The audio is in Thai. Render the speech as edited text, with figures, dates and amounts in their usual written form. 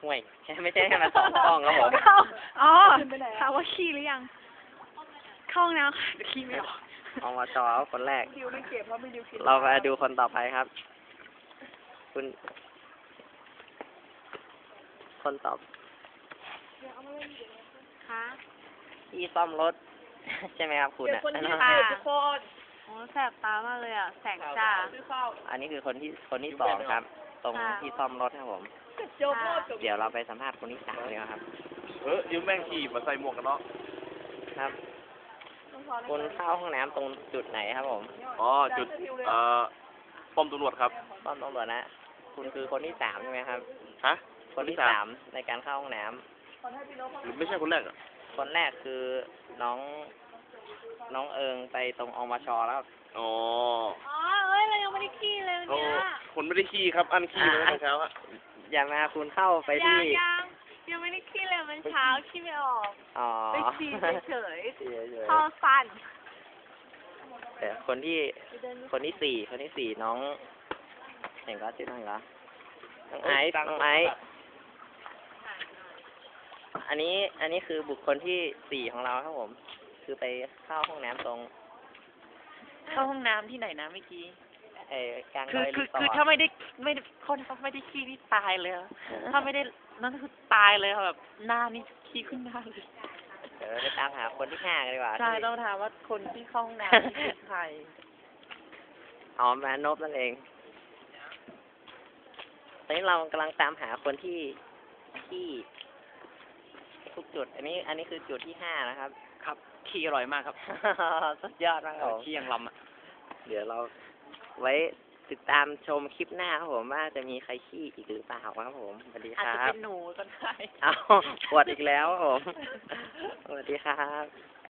ห่วยไม่ใช่ให้มาสองกล้องครับผมอ๋อถามว่าขี้หรือยัง เข้าห้องน้ำค่ะแต่ขี้ไม่ออกอมชคนแรกดิวไม่เก็บเพราะไม่ดิวคิดเรามาดูคนต่อไปครับ คุณ คนตอบค่ะที่ซ่อมรถ ใช่ไหมครับคุณอ่ะค่ะโอ้แสบตามากเลยอ่ะ แสงจ้าอันนี้คือคนที่สองครับ ตรงที่ซ่อมรถครับผม เดี๋ยวเราไปสัมภาษณ์คนที่สามเลยครับยืมแม่งขี่มาใส่หมวกกันเนาะครับ คุณเข้าห้องน้ำตรงจุดไหนครับผมอ๋อ จุด ป้อมตำรวจครับป้อมตำรวจนะ คุณคือคนที่สามใช่ไหมครับฮะคนที่สามในการเข้าห้องน้ำหรือไม่ใช่คนแรกอ่ะคนแรกคือน้องเอิงไปตรงอมชแล้วครับอ๋ออ๋อ เอ้ย เรายังไม่ได้ขี้เลยวันเขาเนี้ยคนไม่ได้ขี่ครับ อันขี่เลยเช้าอะอย่ามาคุณเข้าไปยัที่ยังไม่ได้ขี้เลยมันเช้าขี้ไม่ออกอ๋อไปขี้เฉยเฉยๆเข้าฟันๆแต่คนที่สี่น้องเห็นก็ชื่อน้องเหรอน้องไอซ์อันนี้คือบุคคลที่สี่ของเราครับผม คือไปเข้าห้องน้ำตรงเข้าห้องน้ำที่ไหนนะเมื่อกี้กลางคือดอยคืรีอสอคือร์ทถ้าไม่ได้คนเขาไม่ได้ขี้นี่ตายเลยอะถ้าไม่ได้นั่นคือตายเลยค่ะแบบหน้านี่ขี้ขึ้นหน้าเลยเดี๋ยวเราไปตามหาคนที่ห้ากันดีกว่าใช่ที่ต้องถามว่าคนที่เข้าห้องน้ำนี่คือใครอ๋อมานพนั่นเองตอนนี้เรากำลังตามหาคนที่ทุกจุด อันนี้คือจุดที่ห้านะครับครับขี้อร่อยมากครับสุดยอดมากครับผมขี้ยังลำอ่ะเดี๋ยวเราไว้ติดตามชมคลิปหน้าครับผมว่าจะมีใครขี้อีกหรือเปล่าครับผมสวัสดีอาจคจะรับเป็นหนูก็ได้เอาปวดอีกแล้วครับผมสวัสดีครับ